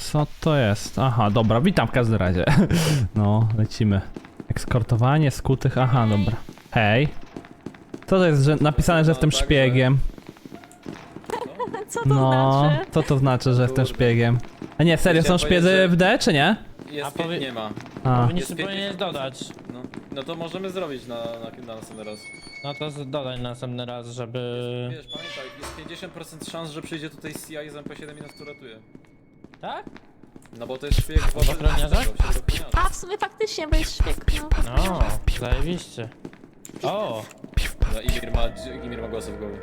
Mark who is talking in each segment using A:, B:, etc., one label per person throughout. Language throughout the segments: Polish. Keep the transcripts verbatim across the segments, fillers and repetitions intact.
A: Co to jest? Aha, dobra, witam w każdym razie. No, lecimy. Ekskortowanie skutych, aha, dobra. Hej. Co to jest, że napisane, że jestem szpiegiem?
B: Co to
A: No,
B: znaczy?
A: co to znaczy, że jestem szpiegiem? A nie, serio, są szpiedzy w D, czy nie?
C: Jest,
D: A powie-
C: nie ma.
A: A,
D: Powinniśmy
C: Jest
D: powinieneś dodać.
C: No, no to możemy zrobić na, na, na następny raz.
D: No to z- dodaj następny raz, żeby...
C: Wiesz, pamiętaj, jest pięćdziesiąt procent szans, że przyjdzie tutaj C I z M P siedem i nas tu ratuje.
D: Tak?
C: No bo to jest szpieg w
D: ochroniarzach?
B: A, w sumie faktycznie, bo jest szpieg, no.
D: No, zajebiście. O!
C: No, Imir ma, Imir ma głosy w głowie.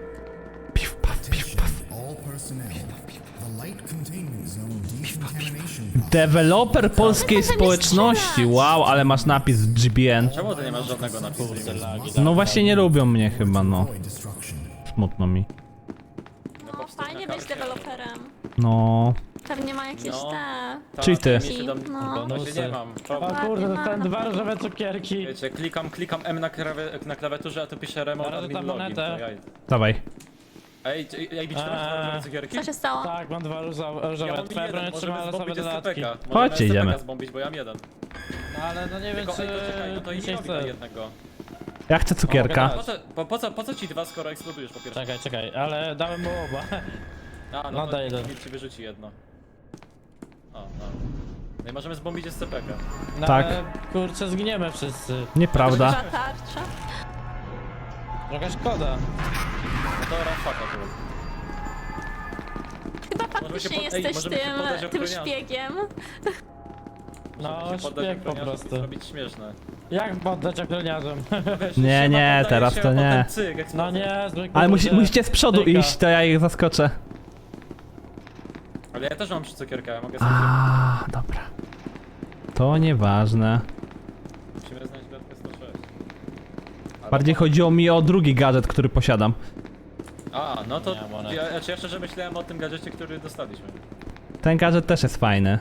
E: All personnel. The light containment zone decontamination.
A: deweloper polskiej społeczności. Wow, ale masz napis G B N.
C: Czemu ty nie masz żadnego napisu?
D: Kurde, lagi.
A: No właśnie nie lubią mnie chyba, no.
E: Destruction.
A: Smutno mi.
B: No, fajnie być deweloperem.
A: No.
B: Pewnie ma jakieś
C: No.
B: te...
C: Tak,
A: Czyli ty.
C: mi się tam-
B: No.
C: Właśnie nie mam.
D: O kurde, dostałem dwa różowe cukierki.
C: Wiecie, klikam, klikam M na, krawie, na klawiaturze, a tu pisze remote
D: Zaraz
C: admin
D: dam
C: login.
D: monetę.
C: To jaj.
A: Dawaj.
C: Ej, ej, ej, bić teraz
D: Eee.
C: różowe cukierki?
B: Co się stało?
D: Tak, mam dwa różowe.
C: Ja
D: różowe.
C: mam
D: Twoja broń
C: jeden,
D: trzyma
C: możemy
D: losowe
C: zbombić
D: dodatki.
C: S C P K.
A: Chodźcie,
C: Możemy
A: idziemy.
C: S C P K zbombić, bo ja mam jeden.
D: No ale no nie wiem
C: Tylko,
D: czy...
C: ej, to czekaj, no to i
D: mi
C: nie
D: się
C: robi na
D: chce.
C: jednego.
A: Ja chcę cukierka.
C: Po co, po, po, co, po co ci dwa, skoro eksplodujesz po pierwsze?
D: Czekaj, czekaj, ale dałem mu oba.
C: A,
D: No
C: no
D: daj
C: to
D: jeden.
C: ci wyrzuci jedno. O, no. No i możemy zbombić S C P K.
D: No,
A: Tak.
D: ale, kurczę, zginiemy wszyscy.
A: Nieprawda.
B: Duża tarcza.
D: Trochę szkoda.
C: No to rafaka to.
B: Chyba
C: Możemy się
B: faktycznie
C: pod- ej,
B: jesteś
C: możemy się poddać
B: tym, tym
C: ochroniarzom.
B: szpiegiem.
D: No,
C: Żeby się poddać
D: szpieg po
C: ochroniarzom i
D: prostu.
C: zrobić śmieszne.
D: Jak poddać ochroniarzom?
C: Wiesz,
A: Nie,
C: się
A: nie,
C: poddaje
A: teraz
C: się,
A: to
C: a potem
A: nie.
C: Cyk,
D: No
C: eksplozja.
D: nie, zwykle.
A: Ale musi, musicie z przodu iść, to ja ich zaskoczę.
C: Ale ja też mam trzy cukierka, ja mogę sobie
A: A, dobra. To nieważne.
C: Musimy znaleźć klatkę sto sześć. Albo-
A: Bardziej chodziło mi o drugi gadżet, który posiadam.
C: A, no to
D: Nie ma monet.
C: ja, ja szczerze myślałem o tym gadżecie, który dostaliśmy.
A: Ten gadżet też jest fajny.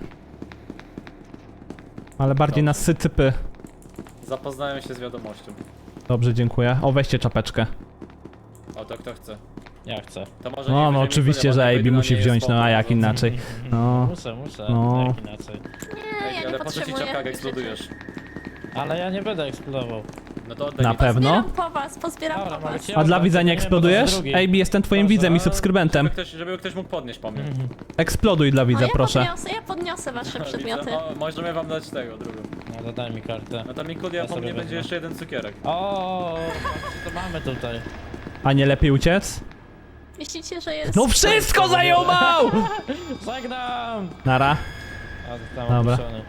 A: Ale bardziej na sycypy.
C: Zapoznałem się z wiadomością.
A: Dobrze, dziękuję. O, weźcie czapeczkę.
C: O, to kto chce.
D: Ja chcę.
C: To może
A: No,
C: niech
A: no
C: weźmie
A: oczywiście,
C: Mikulia,
A: że
C: bo
A: A B
C: jedyna
A: musi
C: nie jest
A: wziąć, no
C: spoko,
A: a jak
C: no.
A: inaczej. No.
D: Muszę, muszę,
A: No.
D: jak inaczej.
B: Nie,
C: Ej,
B: ja nie
C: ale po co ci
B: potrzebuję.
C: czapka, jak eksplodujesz?
D: Ale ja nie będę eksplodował.
C: No to oddaj
A: Na
C: mi
A: pewno?
B: Zbieram po was, pozbieram
D: Dobra,
B: po
D: mogę
B: was.
D: cię
A: A dla
D: oddać,
A: widza nie
D: nie, bo to
A: eksplodujesz?
D: jest drugi.
A: A B, jestem twoim
D: Dobrze,
A: widzem i
D: a-
A: subskrybentem.
C: Żeby ktoś, żeby ktoś mógł podnieść po mnie.
A: Eksploduj dla
B: A
A: widza,
B: ja
A: proszę.
B: podniosę, ja podniosę wasze przedmioty.
C: O, możemy wam dać tego, drugą.
D: No to daj mi kartę.
C: No to Mikulia
D: Ja
C: po
D: sobie
C: mnie będzie
D: wezmę.
C: jeszcze jeden cukierek.
D: O, co to mamy tutaj?
A: A nie lepiej uciec?
B: Myślicie, że jest...
A: No wszystko zajumał!
D: Żegnam!
A: Nara.
D: A, zostałem
A: Dobra.
D: opuszczony.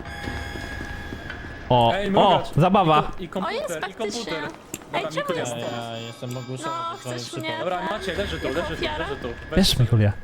A: O,
C: Ej,
A: o,
C: mrugacz.
A: zabawa.
C: I, ko- i
B: O, jest
C: komputer, i
B: faktycznie.
C: komputer.
B: Ej,
C: Dobra,
B: czemu
C: Mikulia.
B: jest
D: Ja, ja jestem ogłuszony.
B: No,
D: to swoim
B: chcesz
D: przypadkiem.
B: mnie?
C: Dobra, macie, leży tu,
B: Jako
C: leży tu,
B: ofiara?
C: leży tu. Weź
A: Wiesz,
C: sobie.
A: Mikulia.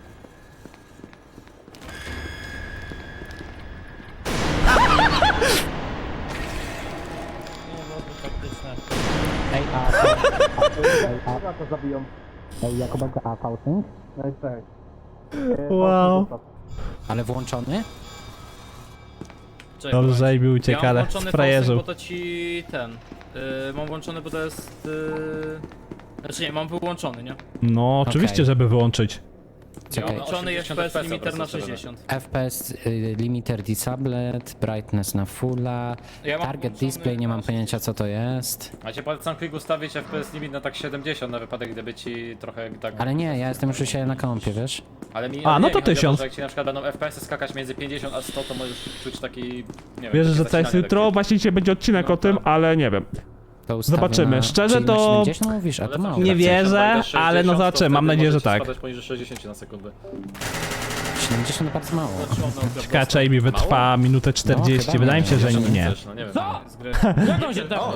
D: Nie byłoby faktyczne.
F: Ej, a... a, a, a to zabiją. Ej, jako będzie A Fausting? Ej, tak.
A: Wow.
F: Ale włączony?
G: Czekaj,
A: Dobrze, że A B ucieka,
G: ja mam
A: ale
G: włączony
A: frajerzył.
G: Fausting, bo to ci ten. Yy, mam włączony, bo to jest. Yy, znaczy nie, mam wyłączony, nie?
A: No, oczywiście,
F: Okej.
A: żeby wyłączyć.
F: Czekaj.
C: No,
G: Włączony jest
C: osiemdziesiąt
G: F P S
C: F P S
G: limiter na
C: po prostu
G: sześćdziesiąt.
F: F P S y, limiter disabled, brightness na fulla,
G: Ja mam
F: target
G: włączony
F: display, nie mam
G: na
F: pojęcia co to jest.
C: Macie polecam klik ustawić F P S limit na tak siedemdziesiąt na wypadek, gdyby ci trochę tak...
F: Ale nie, ja jestem już u siebie na kompie, wiesz?
C: Ale mi,
A: A,
C: ale
A: no
C: nie,
A: to
C: mi chodzi o
A: tysiąc.
C: że Jak ci na przykład będą F P S y skakać między pięćdziesiąt a sto, to możesz czuć taki, nie wiem...
A: Wierzę,
C: takie
A: że to jest
C: zacinanie
A: jutro,
C: lekkie.
A: właśnie dzisiaj będzie odcinek
C: No
A: o tym,
C: tak.
A: ale nie wiem.
F: To ustawię
A: Zobaczymy.
F: Na...
A: Szczerze
F: Czyli na
A: to-
F: siedemdziesiąt mówisz, a
C: Ale
F: to
C: co,
F: mało.
A: Nie
C: jak
A: wierzę,
C: będziesz
A: ale no
C: sześćdziesiąt, to
A: zobaczymy, mam
C: wtedy
A: nadzieję, że
C: możecie
A: tak.
C: spadać poniżej sześćdziesiąt na sekundę.
F: siedemdziesiąt to bardzo mało.
A: Ciekawe, czy A B wytrwa minutę czterdzieści,
F: chyba
A: wydaje mi się, że
C: Jeszcze
A: nie.
C: też, no nie wiem.
D: Co?
C: z gry.
D: Jak on się dało?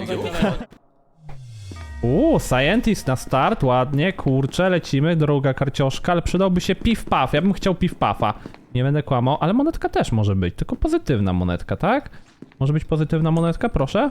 A: Uuu, Scientist na start, ładnie, kurczę, lecimy, druga karcioszka, ale przydałby się piw-paf, ja bym chciał piw-pafa. Nie będę kłamał, ale monetka też może być, tylko pozytywna monetka, tak? Może być pozytywna monetka, proszę?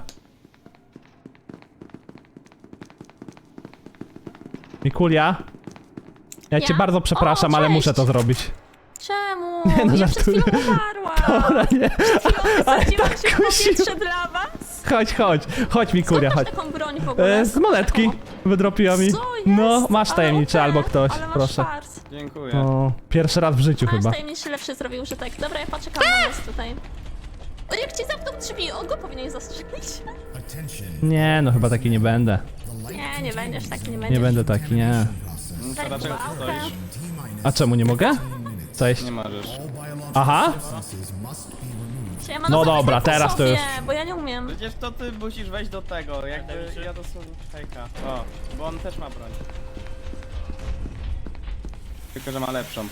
A: Mikulia? Ja cię
B: Ja?
A: bardzo przepraszam,
B: O,
A: ale muszę
B: cześć.
A: to zrobić.
B: Czemu?
A: Nie, no
B: ja przed
A: żartuję.
B: chwilą umarłam.
A: Dobra, nie.
B: Wysadziłam
A: tak
B: się w
A: kusiło.
B: powietrze dla was.
A: Chodź, chodź, chodź
B: Skąd
A: Mikulia,
B: masz
A: chodź.
B: taką broń w ogóle?
A: E, z monetki wydropiła mi.
B: Co jest?
A: No, masz
B: Ale
A: tajemniczy
B: okej,
A: albo ktoś,
B: ale masz
A: proszę.
B: fart.
H: Dziękuję.
A: No, pierwszy raz w życiu
B: Nasz
A: chyba.
B: tajemniczy lepszy zrobił użytek. Dobra, ja poczekam na nas tutaj. O, jak ci zamknął drzwi, on go powinien zastrzelić.
E: Attention.
A: Nie, no chyba taki nie będę.
B: Nie, nie będziesz taki, nie będziesz.
A: Nie będę taki, nie.
B: Daj
H: Dlaczego
B: pałkę.
H: tu stoisz?
A: A czemu nie mogę? Cześć.
H: Nie możesz.
A: Aha.
B: Siema,
A: No
B: to
A: dobra,
B: weź tak
A: teraz to
B: sobie,
A: już.
B: bo ja nie umiem.
H: Przecież to ty musisz wejść do tego, jakby ja dosłownie hejka. O, bo on też ma broń. Tylko, że ma lepszą.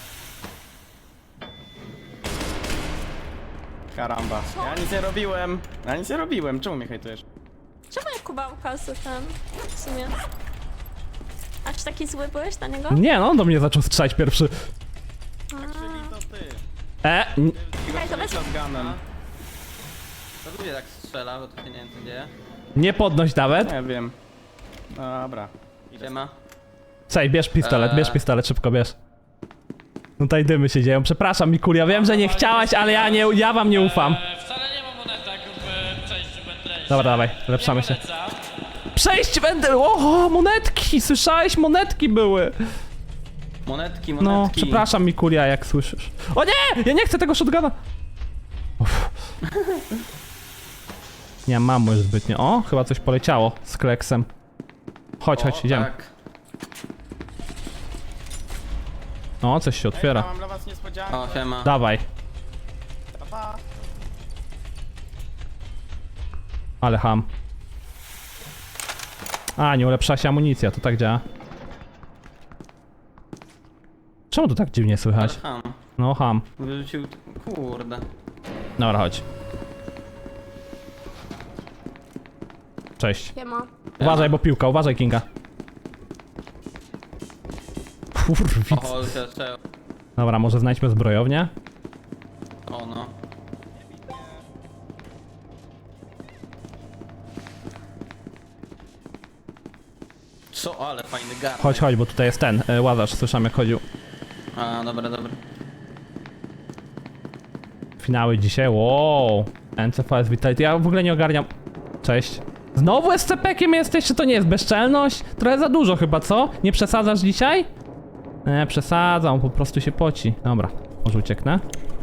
H: Karamba. Ja nic nie robiłem. Ja nic nie robiłem. Czemu mnie hejtujesz?
B: Czemu jak Kubałka z ten, w sumie? A czy taki zły byłeś na niego?
A: Nie no, on do mnie zaczął strzelać pierwszy.
H: Czyli to ty.
A: E, n-
B: Czekaj, to weź...
H: Shotgunem.
C: To ludzie tak strzela, bo to się nie wiem co dzieje.
A: nie podnoś nawet.
H: Nie wiem. Dobra.
C: Siema.
A: Cześć, bierz pistolet,
C: Eee.
A: bierz pistolet, szybko bierz. No tutaj dymy się dzieją, przepraszam Mikulia, wiem, że nie chciałaś, ale ja nie, ja wam nie ufam.
D: E, wcale nie ma monetek w przejściu wędrejszym.
A: Dobra, dawaj, lepszamy się. Przejść będę! Oho, monetki! Słyszałeś? Monetki były!
C: Monetki, monetki.
A: No, przepraszam Mikulia, jak słyszysz. O nie! Ja nie chcę tego shotguna! Uff. Nie mam już zbytnio. O, chyba coś poleciało z kleksem. Chodź, chodź,
C: O,
A: idziemy.
C: tak.
A: O, coś się otwiera.
H: Ja mam dla was niespodziankę.
C: O, siema.
A: Dawaj.
H: Pa, pa.
A: Ale ham. A, nie ulepsza się amunicja, to tak działa. Czemu to tak dziwnie słychać?
C: Ham.
A: No, ham.
C: Wyrzucił... Kurde.
A: Dobra, chodź. Cześć.
B: Siema.
A: Uważaj, bo piłka, uważaj, Kinga. Kurwic.
C: O, jeszcze...
A: Dobra, może znajdźmy zbrojownię?
C: O no. Co? Ale fajny gar.
A: Chodź, chodź, bo tutaj jest ten, y, łazarz, słyszałem jak chodził.
C: A, dobra, dobra.
A: Finały dzisiaj, wow. N C V S Vitality, ja w ogóle nie ogarniam. Cześć. Znowu S C P-kiem jesteś, czy to nie jest bezczelność? Trochę za dużo chyba, co? Nie przesadzasz dzisiaj? Nie, przesadzam, po prostu się poci. Dobra, może ucieknę?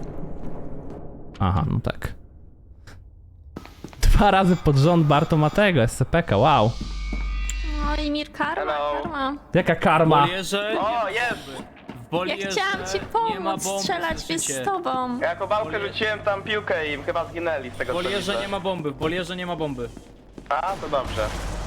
A: Aha, no tak. Dwa razy pod rząd Barto ma tego, S C P-ka, wow.
B: No i Mir karma,
H: Hello.
B: karma.
A: Jaka karma.
G: Bolierze,
H: O, jest!
G: w bolierze
B: Ja chciałam ci
G: nie ma
B: pomóc
G: bomb,
B: strzelać
G: słyszycie?
B: z tobą.
H: Ja kobałkę rzuciłem tam piłkę i chyba zginęli z tego
G: W
H: co
G: bolierze
H: widzę.
G: nie ma bomby, w bolierze nie ma bomby.
H: A, to dobrze.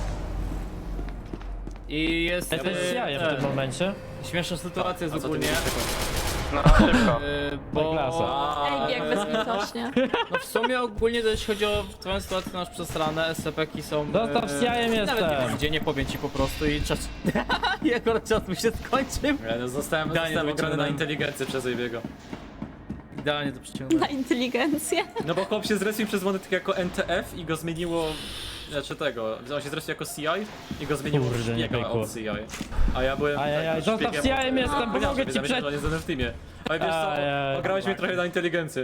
G: I jest...
D: To jest
G: e,
D: jaja w
G: ten,
D: tym momencie.
G: Śmieszna sytuacja jest ogólnie,
H: No, szybko.
G: e, bo...
D: klasa.
B: Ej, jak bezlitośnie.
G: No w sumie ogólnie jeśli chodzi o twoją sytuację, to masz przesrane, S C P-ki są...
D: Zostaw z jajem
G: nawet
D: jestem.
G: nie wiem gdzie, nie powiem ci po prostu i czas... Jego czas mi się skończył.
C: Ja no, zostałem,
G: Idealnie
C: zostałem ograny na
G: wyciągnąłem.
C: inteligencję przez Ejbiego.
G: Idealnie to przyciągnąłem.
B: Na inteligencję.
C: No bo chłop się zrespił przez monetkę jako N T F i go zmieniło... Znaczy tego, on się zrespił jako C I i go zmieniło w
D: Kurde, nie
C: szpiega
D: pykło.
C: od C I. A ja byłem...
D: Ajajaj,
C: tak,
D: zostaw
C: szpiegiem
D: C I-em
C: od-
D: jestem,
C: No,
D: pomogę
C: powiedziałem,
D: ci
C: że
D: przed-
C: on jest w teamie. Ale wiesz co,
D: Ajaj.
C: ograłeś mnie trochę na inteligencję.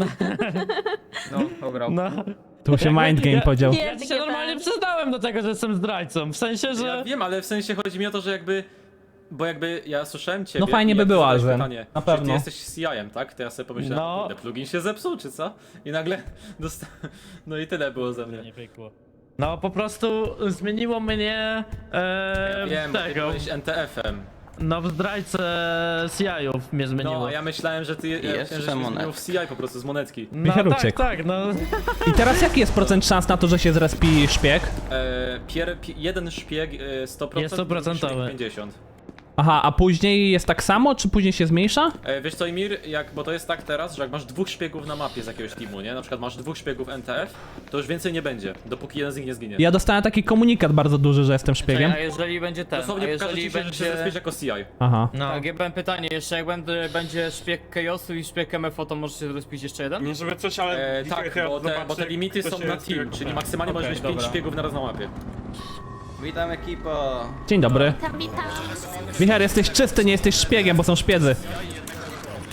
G: No, ograł.
D: No.
A: Tu się mind game podział.
D: Ja ci się normalnie przyznałem do tego, że jestem zdrajcą. W sensie,
C: Ja
D: że...
C: wiem, ale w sensie chodzi mi o to, że jakby... Bo jakby ja słyszałem ciebie.
A: No fajnie
C: i
A: by
C: jak
A: było,
C: zadałeś
A: Alzen.
C: pytanie,
A: Na
C: czy
A: pewno.
C: Ty jesteś C I-em, tak? To ja sobie pomyślałem,
D: No.
C: no. kurde, plugin się zepsuł, czy co? I nagle dostałem... No i tyle było ze mnie.
D: Nie pykło. No po prostu zmieniło mnie e,
C: Ja wiem, bo ty
D: tego.
C: byłeś N T F-em.
D: No w zdrajce C I-ów mnie zmieniło.
C: No, a ja myślałem, że ty ja
H: jeszcze
C: myślałem, że się zmienił
H: monetki.
C: w C I po prostu z monetki.
D: No
A: Michał
D: tak,
A: uciekł.
D: tak, no.
A: I teraz jaki jest procent szans na to, że się zrespi szpieg?
C: E, pier, pi, jeden szpieg e, sto procent,
D: Jest sto procent.
C: drugi szpieg pięćdziesiąt.
A: Aha, a później jest tak samo, czy później się zmniejsza?
C: E, wiesz co, Imir, jak, bo to jest tak teraz, że jak masz dwóch szpiegów na mapie z jakiegoś teamu, nie? Na przykład masz dwóch szpiegów N T F, to już więcej nie będzie, dopóki jeden z nich nie zginie.
A: Ja dostałem taki komunikat bardzo duży, że jestem szpiegiem.
G: A jeżeli będzie ten, a
C: Dosłownie pokażę
G: jeżeli
C: ci się, że się
G: będzie...
C: zespiesz jako C I.
A: Aha.
D: No.
G: Tak, ja mam pytanie, jeszcze jak będzie, będzie szpieg Chaosu i szpieg M F O, to możesz się rozpić jeszcze jeden?
I: Nie żeby coś, ale
C: E, tak, bo te, bo te limity są na team, czyli maksymalnie możesz mieć
G: Okej,
C: pięć
G: dobra.
C: szpiegów naraz na mapie.
H: Witam ekipo.
A: Dzień dobry.
B: Tam witam.
A: Michał, jesteś czysty, nie jesteś szpiegiem, bo są szpiedzy.
H: O,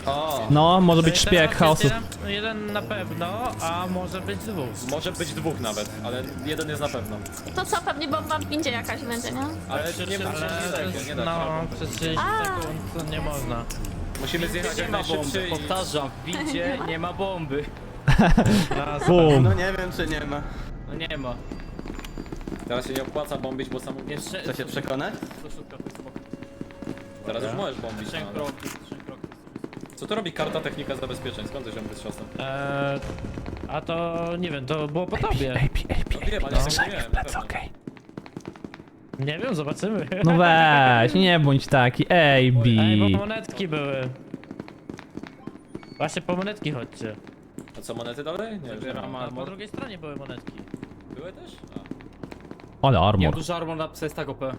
A: No, może być szpieg
D: Teraz
A: chaosu.
D: jest Jeden, jeden na pewno, a może być dwóch.
C: Może być dwóch nawet, ale jeden jest na pewno.
B: To co, pewnie bomba w windzie jakaś będzie, nie?
C: Ale nie
D: Ale
C: musimy
D: to
C: nie,
D: jest,
C: nie da
D: no,
C: się.
D: przez trzydzieści sekund to nie można.
C: Musimy zjechać
G: Nie
C: jak
G: ma bomby,
C: najszybciej i...
G: powtarzam, w windzie nie ma bomby.
D: Raz,
A: Bum.
H: No nie wiem czy nie ma.
G: No nie ma.
C: Teraz się nie opłaca bombić, bo sam...
G: Jeszcze...
H: Chce się przekonać?
G: To szybko, to jest spoko.
C: Teraz już możesz bombić.
G: Trzech
C: no,
G: kroków, trzech kroków.
C: Co to robi karta technika zabezpieczeń? Skąd to się z czasem?
D: Eee, a to nie wiem, to było po tobie.
A: Ej, pi, ej, pi,
C: No wiem, ale ja tego nie miałem, na pewno.
A: okej.
D: Nie wiem, zobaczymy.
A: No weź, nie bądź taki, ej,
D: Ej, bo
A: bi.
D: monetki były. Właśnie po monetki chodźcie.
C: A co, monety dalej? Nie, już nie
G: Zabieram
C: ma.
D: A po
G: armor.
D: drugiej stronie były monetki.
C: Były też? A.
A: Ale
G: Nie mam
A: armor.
G: dużo armor na psa jest tak O P.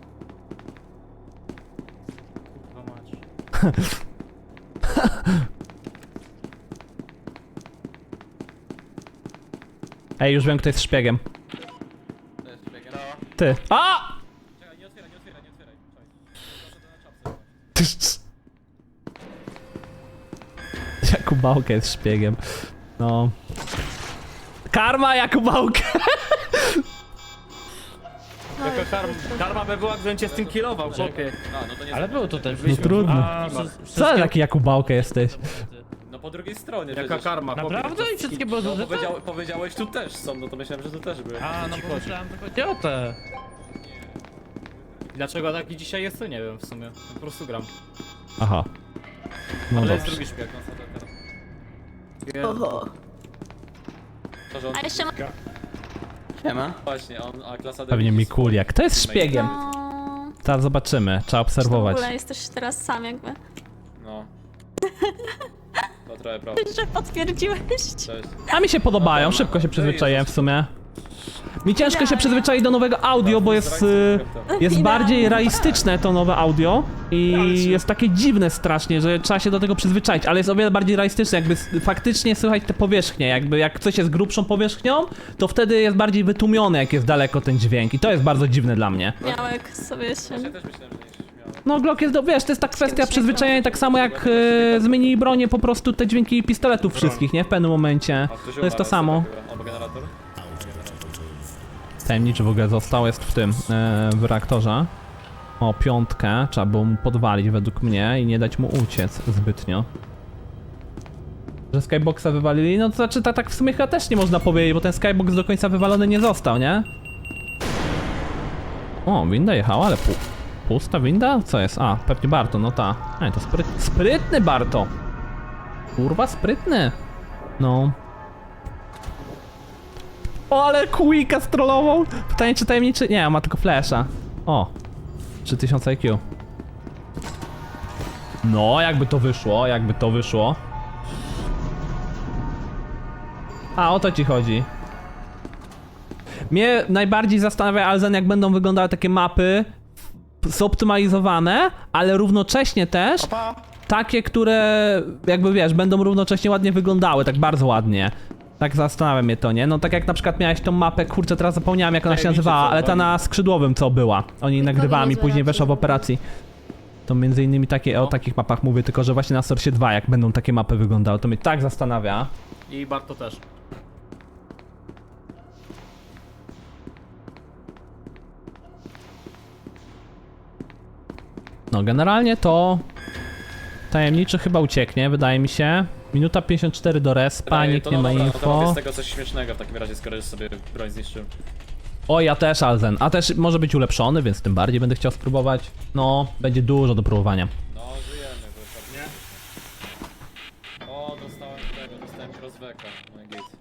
G: Kurwa mać.
A: Ej, już wiem, kto jest szpiegiem.
C: To jest biegiem.
A: Ty. A!
C: Czekaj, nie otwieraj, nie otwieraj, nie otwieraj. Czekaj.
A: Jakubałka jest szpiegiem. No. Karma Jakubałka!
G: Jaka karma, karma by była, gdybym cię z tym killował, chłopie.
C: A, no to nie
D: Ale było to też.
A: No trudno.
D: A,
G: Co?
D: wszy-
A: Co
D: wszystkie-
A: taki Jakubałka jesteś?
C: No po drugiej stronie
G: Jaka
C: przecież.
G: karma, chłopie.
D: Naprawdę? I wszystkie były
C: No
D: zużyte?
C: powiedział, powiedziałeś tu też są, no to myślałem, że tu też były.
D: A, no bo myślałem, że chodzi o te.
G: Dlaczego taki dzisiaj jest, to nie wiem w sumie. Po prostu gram.
A: Aha. No
G: Ale jest
A: dobrze.
G: drugi szpieg.
B: Oho.
C: To, że on...
B: A jeszcze ma...
H: Siema.
C: Właśnie, a on, a klasa D
A: Pewnie
C: widzi
A: Mikulia. Kto jest
C: swoich
A: szpiegiem?
B: No...
A: Zaraz zobaczymy. Trzeba
B: W
A: obserwować.
B: ogóle jesteś teraz sam jakby.
C: No. To trochę prawda.
B: Że potwierdziłeś.
C: Cześć.
A: A mi się podobają, szybko się przyzwyczaiłem w sumie. Mi ciężko się przyzwyczaić do nowego audio, bo jest, y, jest bardziej realistyczne to nowe audio i jest takie dziwne strasznie, że trzeba się do tego przyzwyczaić, ale jest o wiele bardziej realistyczne, jakby s- faktycznie słychać te powierzchnie, jakby jak coś jest grubszą powierzchnią, to wtedy jest bardziej wytłumione, jak jest daleko ten dźwięk i to jest bardzo dziwne dla mnie.
B: Miałek sobie się...
C: Ja też myślałem, że nie się śmiałem.
A: No Glock jest, do, wiesz, to jest ta kwestia przyzwyczajenia, tak samo jak y, zmienili bronię po prostu te dźwięki pistoletów wszystkich, nie? W pewnym momencie.
C: A ktoś
A: To jest to
C: umarł,
A: samo.
C: chyba. Albo generator?
A: Tajemniczy w ogóle został, jest w tym, e, w reaktorze. O, piątkę, trzeba było mu podwalić według mnie i nie dać mu uciec zbytnio. Że Skyboxa wywalili, no to znaczy tak, tak w sumie chyba też nie można powiedzieć, bo ten Skybox do końca wywalony nie został, nie? O, winda jechała, ale pu pusta winda? Co jest? A, pewnie Barto, no ta. Ej, to spryt sprytny Barto! Kurwa, sprytny! No. O, ale Quicka strollował! Pytanie, czy tajemniczy... Nie, on ma tylko flasha. O! trzy tysiące I Q. No, jakby to wyszło, jakby to wyszło. A, o to ci chodzi. Mnie najbardziej zastanawia, Alzen, jak będą wyglądały takie mapy zoptymalizowane, ale równocześnie też takie, które jakby wiesz, będą równocześnie ładnie wyglądały, tak bardzo ładnie. Tak zastanawia mnie to, nie? No tak jak na przykład miałeś tą mapę, kurczę, teraz zapomniałem jak ona się
C: Tajemniczy,
A: nazywała,
C: co,
A: ale ta na skrzydłowym co była. Oni nagrywałem i później weszła w operacji. To między innymi takie, o takich mapach mówię, tylko że właśnie na Source dwa jak będą takie mapy wyglądały, to mnie tak zastanawia.
G: I Barto też.
A: No generalnie to tajemniczy chyba ucieknie, wydaje mi się. Minuta pięćdziesiąt cztery do respa,
C: Wydaje-
A: nikt
C: to
A: nie
C: no
A: ma
C: dobra, no to robię z
A: info.
C: tego coś śmiesznego w takim razie, skoro już sobie broń zniszczył.
A: O, ja też Alzen, a też może być ulepszony, więc tym bardziej będę chciał spróbować. No, będzie dużo do próbowania.
C: No, żyjemy, wypadnie. O, dostałem tego, dostałem crossbacka. No i git.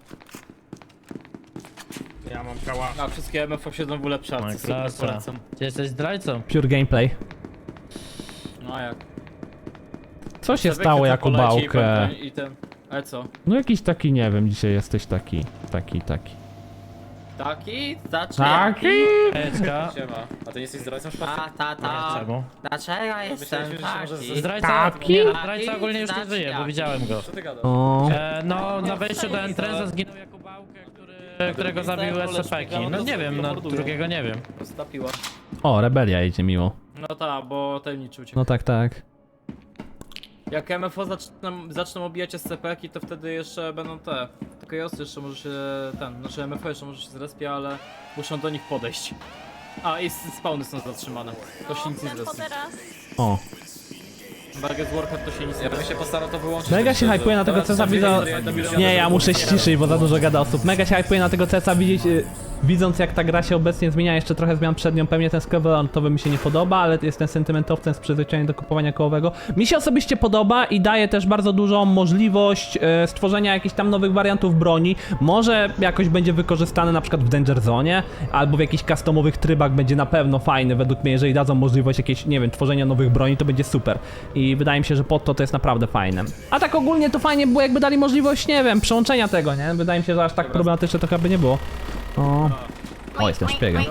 G: Ja mam kała. A wszystkie M F siedzą w ulepszarce,
D: No i
G: super
D: klasa.
G: polecam.
D: Ty jesteś zdrajcą.
A: Pure gameplay.
G: No a jak?
A: Co się
G: Sobie
A: stało
G: chwytam
A: Jakubałkę?
G: poleci I ten... Ale co?
A: No jakiś taki, nie wiem, dzisiaj jesteś taki, taki, taki.
G: Taki? Znaczy
A: Taki?
D: Eczka.
C: Siema. A ty nie jesteś zdrajcą szpachty?
I: A, ta,
D: Czemu?
I: Dlaczego jestem
C: Myśleliśmy, że się może
I: taki?
C: ze-
D: Zdrajca,
A: Taki?
D: nie, zdrajca ogólnie już nie żyje, bo widziałem go.
C: Co ty gadasz?
A: O,
D: E, no, na wejściu do Entrenza zginął Jakubałkę, który, którego zabił S C P-ki. No nie wiem, no drugiego nie wiem.
G: Stapiła.
A: o, rebelia idzie miło.
G: No ta, bo tajemniczy uciekł.
A: No tak, tak.
G: Jak M F O zaczną, zaczną obijać S C P-ki, to wtedy jeszcze będą te. Tylko Josy jeszcze może się ten, znaczy M F O jeszcze może się zrespie, ale muszą do nich podejść. A i spawny są zatrzymane. To się nic nie
B: Ten
G: zrespi.
B: teraz.
A: O.
G: Barget Warhead to się nic nie
C: Ja bym
G: zrespi.
C: się postarał to wyłączyć.
A: Mega się hypuje na tego
C: Teraz
A: Cesa
C: są
A: widzą...
C: dwie-
A: Nie, ja muszę ściszyć, bo za dużo gada osób. Mega się hypuje na tego Cesa widzieć, y, widząc jak ta gra się obecnie zmienia, jeszcze trochę zmian przed nią, pewnie ten sklerotowy mi się nie podoba, ale jestem sentymentowcem z przyzwyczajeniem do kupowania kołowego. Mi się osobiście podoba i daje też bardzo dużą możliwość e, stworzenia jakichś tam nowych wariantów broni. Może jakoś będzie wykorzystany na przykład w Danger Zone, albo w jakichś customowych trybach będzie na pewno fajny według mnie, jeżeli dadzą możliwość jakiejś, nie wiem, tworzenia nowych broni, to będzie super. I wydaje mi się, że pod to to jest naprawdę fajne. A tak ogólnie to fajnie było, jakby dali możliwość, nie wiem, przełączenia tego, nie? Wydaje mi się, że aż tak problematyczne to chyba by nie było. O, o jestem szpiegiem.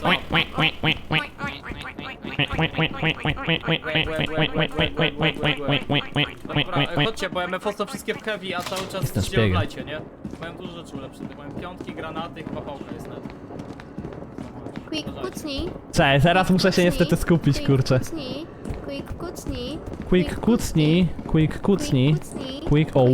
G: Dobra, chodźcie, bo M F O są wszystkie w heavy, a cały czas
A: Jestem
G: się w
A: szpiegiem.
G: lajcie, nie? Mają dużo rzeczy ulepszonych, mają piątki, granaty i chyba pałka jest net.
I: Quick, kucnij.
A: Cześć, teraz muszę się niestety skupić,
I: Quick,
A: kurczę.
I: Kucnij. Quick, kucnij.
A: Quick kucnij, quick kucnij,
I: kucnij.
A: quick... O.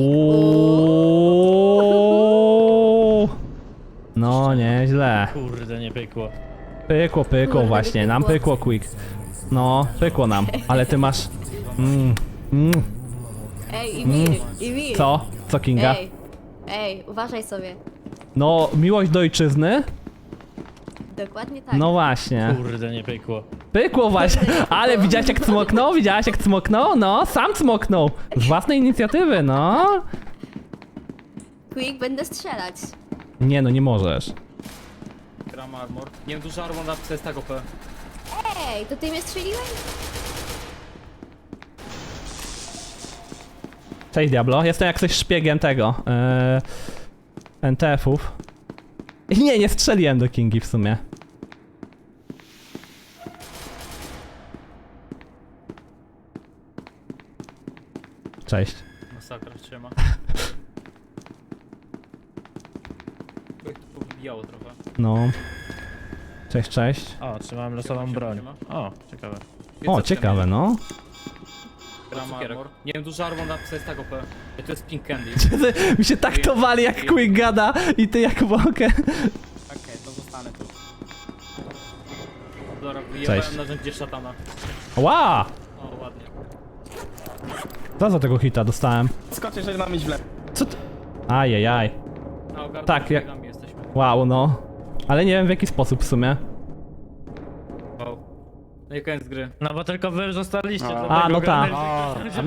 A: No, nieźle.
D: Kurde, nie pykło.
A: Pykło, pykło
I: Kurde,
A: właśnie, nam
I: pykło.
A: pykło quick. No, pykło nam, ale ty masz... Mm, mm,
I: Ej, Imir, Imir.
A: co? Co, Kinga?
I: Ej, ej, uważaj sobie.
A: No, miłość do ojczyzny?
I: Dokładnie tak.
A: No właśnie.
D: Kurde, nie pykło.
A: Pykło właśnie, ale widziałaś jak cmoknął? Widziałaś jak cmoknął? No, sam cmoknął. Z własnej inicjatywy, no.
I: Quick, będę strzelać.
A: Nie no, nie możesz.
G: Gram armor. Nie wiem, dużo armor na to jest tak O P.
I: Ej, to ty mnie strzeliłeś?
A: Cześć Diablo, jestem jak coś szpiegiem tego. Yy, N T F-ów. Nie, nie strzeliłem do Kingi w sumie. Cześć.
G: Masakra trzyma. Jak to powybijało trochę.
A: No. Cześć, cześć.
D: O, trzymałem losową broń. O, ciekawe.
A: O, ciekawe, no.
G: Gram armor. Nie wiem, dużo armor na to jest tak O P. Ej, to jest Pink Candy.
A: Mi się tak to wali jak Quick gada i ty jak Wokę.
H: Okej, to zostanę tu.
G: Dobra,
A: Cześć.
G: wyjebałem narzędzie szatana.
A: Ła!
G: O, ładnie.
A: Co za tego hita dostałem?
H: Skocz, jeżeli mam iść w lewo.
A: Co ty? Ajajaj.
G: Na ogarnę
A: Tak, jak-
G: jak... jesteśmy.
A: Wow, no. Ale nie wiem w jaki sposób w sumie.
G: Wow. No i koniec gry.
D: No bo tylko wy zostaliście,
H: A.
D: dlatego
A: A, no tak.
D: ogarnęliście, że